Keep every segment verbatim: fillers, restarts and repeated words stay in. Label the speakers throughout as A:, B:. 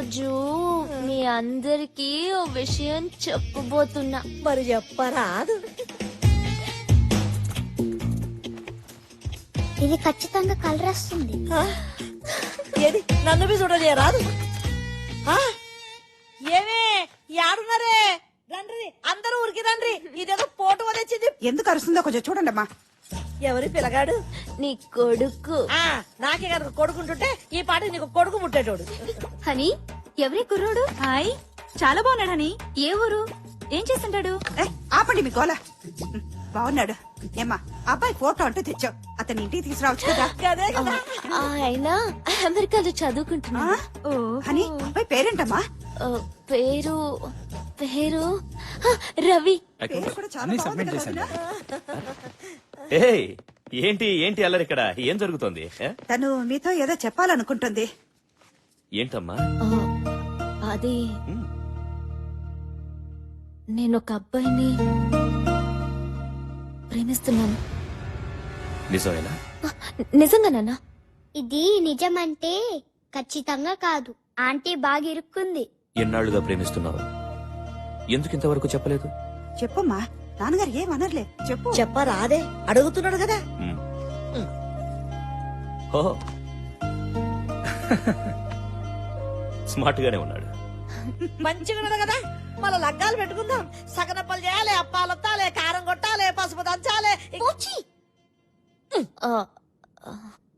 A: రోజు మీ అందరికి ఓ విషయం చెప్పబోతున్నా.
B: మరి చెప్పరాదు.
C: ఇది ఖచ్చితంగా కలర్ వస్తుంది.
B: ఆ? ఏది నన్ను మీ చూడలే రాదు. ఆ? ఏమే యాడున్నారే? రండ్రి అందరూ ఉరికి రండ్రి. ఇదేదో పోటు వదిలింది.
D: ఎందుకు అరుస్తుందో కొంచెం చూడండి అమ్మా.
B: ఎవరి పిల్లగాడు?
A: నీ కొడుకు.
B: ఆ నాకే కనుక కొడుకుంటుంటే ఈ పాట నీకు కొడుకు ముట్టేటోడు.
A: హనీ, ఎవరి కుర్రోడు?
E: హాయ్, చాలా బాగున్నాడు హనీ. ఏ ఊరు? ఏం చేస్తుంటాడు?
D: ఏ, ఆపండి మీ గోల. బాగున్నాడు. ఏమ్మా అబ్బాయి ఫోటో అంటూ తెచ్చావు, అతని ఇంటికి తీసుకురావచ్చు కదా.
B: కదే కదా.
A: ఆయన అమెరికాలో
D: ఆ?
A: చదువుకుంటున్నా.
E: ఓ
D: అని అబ్బాయి పేరేంటమ్మా?
A: ఆ, పేరు పేరు ఆ, రవి.
D: పేరు కూడా చాలా
F: అన్నీ
D: బాగుంది
F: సబ్మిట్
D: కదా
F: చేశాను.
D: వదినా?
G: ఏయ్ ఏంటి ఏంటి అల్లరి ఇక్కడ ఏం జరుగుతోంది ఏ?
D: తను మీతో ఏదో చెప్పాలనుకుంటుంది.
G: ఏంటమ్మా
A: ఆ, అది
G: ఉమ్,
A: నేను ఒక అబ్బాయిని ప్రేమిస్తున్నాను.
G: నిజమేనా
A: ఆ, నిజంగానన్నా?
C: ఇది నిజమంటే ఖచ్చితంగా కాదు. ఆంటీ బాగా ఇరుక్కుంది.
G: ఎన్నాళ్లుగా ప్రేమిస్తున్నావు? ఎందుకు ఇంతవరకు చెప్పలేదు?
D: చెప్పమ్మా, నాన్నగారు ఏమనర్లే, చెప్పు.
B: చెప్పరాదే అడుగుతున్నాడు కదా.
G: ఉమ్.
B: ఉమ్.
G: ఓ స్మార్ట్ గానే ఉన్నాడు.
B: మంచిగా ఉన్నాడు కదా. మళ్ళా లగ్గాలు పెట్టుకుందాం. సగనప్పలు చేయాలి, అప్పాలొత్తాలి, కారం కొట్టాలి, పసుపు దంచాలి.
A: ఆ, ఆ,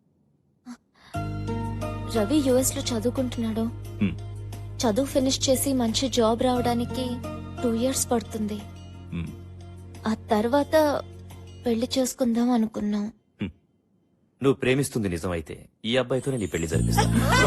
A: రవి యుఎస్ లో చదువుకుంటున్నాడు.
G: ఉమ్,
A: చదువు ఫినిష్ చేసి మంచి జాబ్ రావడానికి టూ ఇయర్స్ పడుతుంది.
G: ఉమ్.
A: ఆ తర్వాత పెళ్లి చేసుకుందాం అనుకున్నాం.
G: నువ్వు ప్రేమిస్తుంది నిజమైతే ఈ అబ్బాయితోనే నీ పెళ్లి జరిపిస్తా.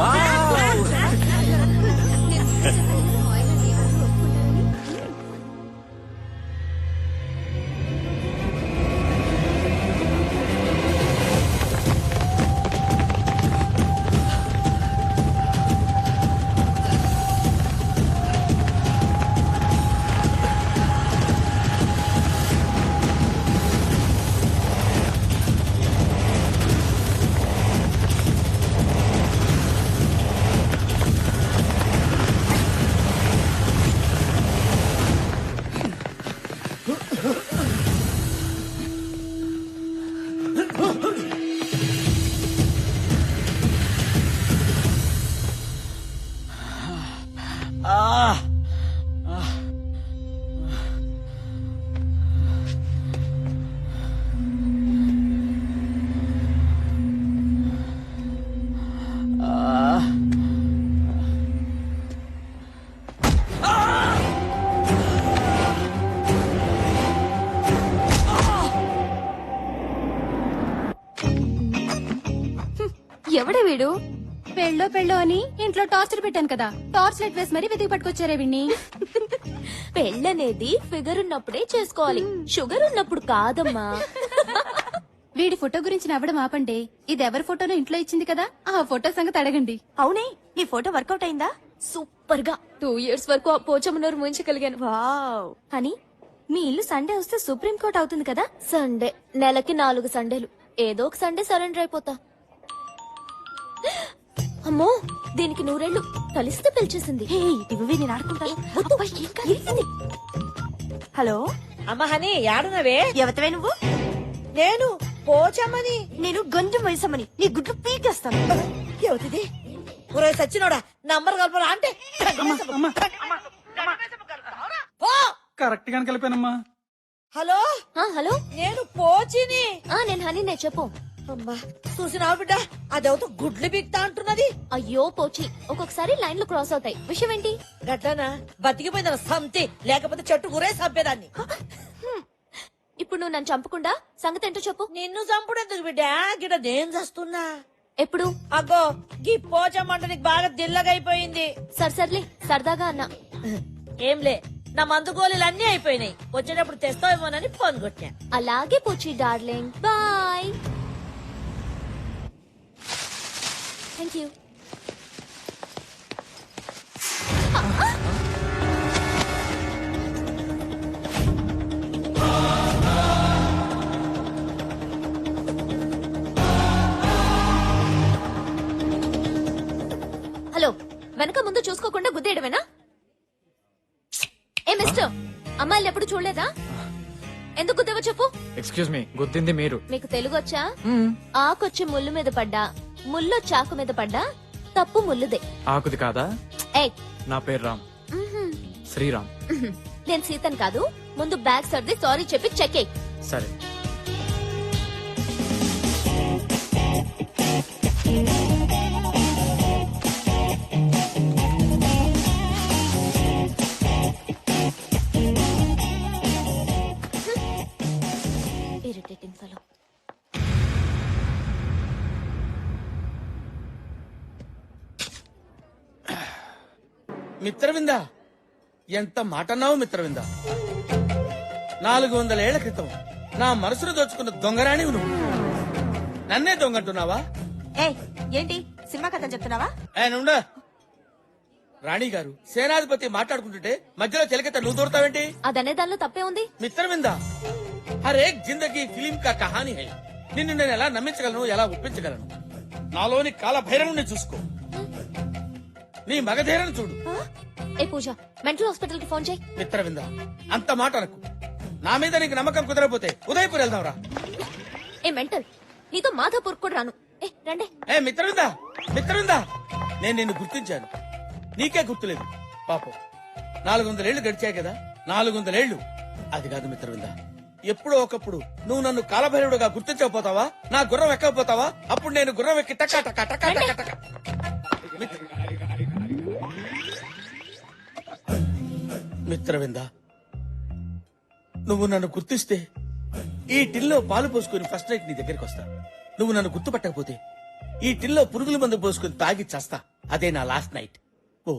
A: ఎవడే వీడు?
E: పెళ్ళో పెళ్ళో అని ఇంట్లో టార్చర్ పెట్టాను కదా, టార్చ్ లైట్ వేసి మరీ వెతికి పట్టుకొచ్చారే విన్ని.
A: పెళ్ళనేది ఫిగర్ ఉన్నప్పుడే చేసుకోవాలి, షుగర్ ఉన్నప్పుడు కాదమ్మా.
E: వీడి ఫోటో గురించి నవ్వడం ఆపండి. ఇది ఎవరి ఫోటోనో ఇంట్లో ఇచ్చింది కదా, ఆ ఫోటో సంగతి అడగండి.
A: అవునే, నీ ఫోటో వర్కౌట్ అయిందా? సూపర్ గా టూ ఇయర్స్ వరకు ఆ పోచమ్మనూరు ముంచగలిగాను. వావ్. అని మీ ఇల్లు సండే వస్తే సుప్రీం కోర్ట్ అవుతుంది కదా? సండే నెలకి నాలుగు సండేలు, ఏదో ఒక సండే సరెండర్ అయిపోతా. అమ్మో, దీనికి నూరేళ్లు కలిస్తే పిలిచేసింది. హలో
B: అమ్మ హని యాడునవే?
A: ఎవతవే నువ్వు?
B: నేను పోచమ్మని.
A: నేను గంజం వయసమ్మని, నీ గుడ్లు పీకేస్తాను.
B: ఎవతిది? ఒరే సచ్చినోడా, నంబర్ కలపరా అంటే పో.
F: కరెక్ట్ గానే కలిపానమ్మా.
B: హలో
A: ఆ, హలో,
B: నేను పోచిని.
A: ఆ, నేను హనీనే, చెప్పు.
B: అమ్మా చూసినావు బిడ్డ, అదేవతో గుడ్లు బిక్తా అంటున్నది.
A: అయ్యో పోచి, ఒక్కొక్కసారి లైన్లు క్రాస్ అవుతాయి. విషయం ఏంటి?
B: గట్లనా? బతికిపోయిందా సంతి, లేకపోతే చెట్టు గురే చంపేదాన్ని.
A: హ్మ్. ఇప్పుడు నువ్వు నన్ను చంపకుండా సంగతి ఏంటో చెప్పు.
B: నిన్ను చంపుడెందుకు బిడ్డ, గిడ నేను చస్తున్నా.
A: ఎప్పుడు?
B: అగ్గో గీ పోచమ్మంట నీకు బాగా దిల్లగైపోయింది.
A: సర్ సర్లే, సరదాగా అన్నా.
B: ఏంలే, నా మందు గోళీలు అన్ని అయిపోయినాయి. వచ్చేటప్పుడు తెస్తావేమోనని ఫోన్ కొట్టా.
A: అలాగే పోచి darling, bye. Thank you. Hello, వెనక ముందు ముందు చూసుకోకుండా గుద్దేయడమేనా? ఏ మిస్టర్, అమ్మాయిలు ఎప్పుడు చూడలేదా? ఎందుకు గుద్దేవో చెప్పు.
F: ఎక్స్క్యూజ్ మీ, గుర్తింది మీరు.
A: మీకు తెలుగు వచ్చా? ఆకొచ్చి ముళ్ళు మీద పడ్డా, ముళ్ళు చాకు మీద పడ్డా తప్పు ముల్లుదే.
F: ఆకుది కాదా?
A: ఏయ్,
F: నా పేరు రామ్. శ్రీరామ్.
A: నేను సీతన్ కాదు. ముందు బ్యాగ్ సర్ది సారీ చెప్పి చెక్ ఎయ్.
F: సరే.
A: Irritating fellow.
H: మిత్రవింద, ఎంత మాటన్నావు మిత్రవింద. నాలుగు వందల ఏళ్ల క్రితం నా మనసును దోచుకున్న దొంగరాణి నువ్వు నన్నే దొంగంటున్నావా?
B: ఏ ఏంటి సినిమా కథ చెప్తున్నావా?
H: ఆయనుండా రాణి గారు, సేనాధిపతి మాట్లాడుకుంటుంటే మధ్యలో చెలకెత్త నువ్వు దూరతావేంటి?
A: అదనే దానిలో తప్పే ఉంది.
H: మిత్రవింద, హర్ ఏక్ జిందగీ ఫిలిం కా కహానీ హై. నిన్ను నేను ఎలా నమ్మించగలను, ఎలా ఒప్పించగలను? నాలోని కాల భైరవుని చూసుకో, నీ మగధీరను చూడు.
A: ఏ పూజ, మెంటల్ హాస్పిటల్ కి ఫోన్ చేయి.
H: మిత్రవింద, అంత మాట అనకు. నా మీద నీకు నమ్మకం కుదరకపోతే ఉదయపూర్ వెళ్దాంరా.
A: ఏ మెంటల్, నీతో మాధాపూర్ కూడా రాను. ఏ రండే.
H: ఏ మిత్రవింద, మిత్రవింద, నేను నిన్ను గుర్తించాను, నీకే గుర్తులేదు. పాపం, నాలుగు వందలేళ్లు గడిచాయి కదా. నాలుగు వందలేళ్లు అది కాదు మిత్రవింద. ఎప్పుడో ఒకప్పుడు నువ్వు నన్ను కాలభైరవుడుగా గుర్తించకపోతావా? నా గుర్రం ఎక్కకపోతావా? అప్పుడు నేను గుర్రం ఎక్కి టకా టకా టకా టకా టకా. మిత్ర- మిత్రవింద, నువ్వు నన్ను గుర్తిస్తే ఈ టిల్లో పాలు పోసుకుని ఫస్ట్ నైట్ నీ దగ్గరికి వస్తా. నువ్వు నన్ను గుర్తుపట్టకపోతే ఈ టిల్లో పురుగుల మందు పోసుకుని తాగి చేస్తా. అదే నా లాస్ట్ నైట్. ఓ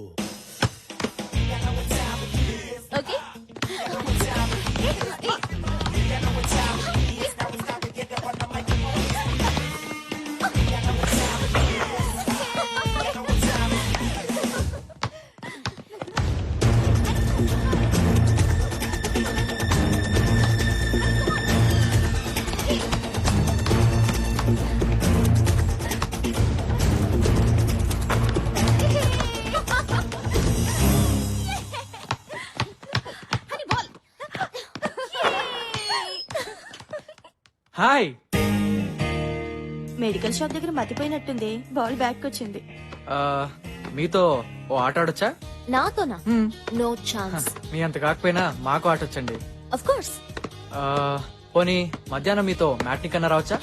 A: ఓకే.
F: హాయ్.
B: మెడికల్ షాప్ దగ్గర మతిపోయినట్టుంది. బాల్ బ్యాక్ వచ్చింది.
F: ఆ, మీతో ఓ ఆట ఆడొచ్చా?
A: నాతోనా? No chance.
F: మీ అంత కాకపోయినా మాకు ఆటొచ్చండి.
A: Of course.
F: ఆ, పోనీ మధ్యాహ్నం మీతో మ్యాట్ని కన్నా రావచ్చా?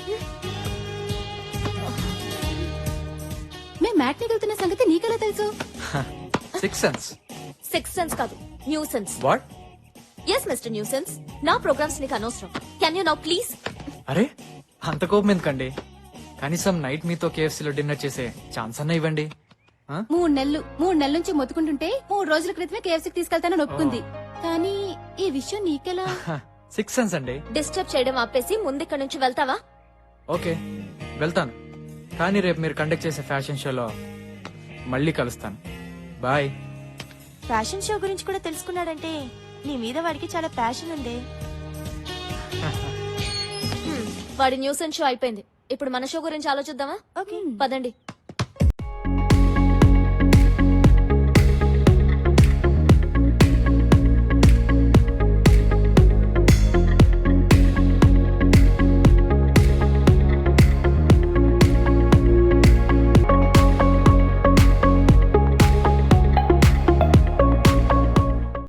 E: మేము మ్యాట్ని వెళ్తున్న సంగతి నీకెలా తెలుసు?
F: Six sense.
A: సిక్స్ సెన్స్ కాదు, new sense.
F: What?
A: Yes mister new sense. నా ప్రోగ్రామ్స్ నీకు అనవసరం. Can you now please?
F: అరే, అంత కోపం ఎందుకండి? కనీసం నైట్ మీతో కేఎఫ్సీలో డిన్నర్ చేసే ఛాన్స్ అన్న ఇవ్వండి. ఆ?
E: మూడు నెలలు మూడు నెలల నుంచి మొత్తుకుంటుంటే మూడు రోజుల క్రితమే కేఎఫ్సీకి తీసుకెళ్తానని ఒప్పుకుంది. కానీ ఈ విషయం నీకెలా?
F: సిక్స్ సెన్స్ అండి.
A: డిస్టర్బ్ చేయడం ఆపేసి ముందిక్కడి నుంచి వెళ్తావా?
F: ఓకే, వెళ్తాను. కానీ రేపు మీరు కండక్ట్ చేసే ఫ్యాషన్ షోలో మళ్ళీ కలుస్తాను. బాయ్.
B: ఫ్యాషన్ షో గురించి కూడా తెలుసుకున్నాడంటే నీ మీద వాడికి చాలా ప్యాషన్ ఉంది.
A: వాడి న్యూసెన్స్ షో అయిపోయింది. ఇప్పుడు మన షో గురించి ఆలోచిద్దామా?
B: ఓకే
A: పదండి.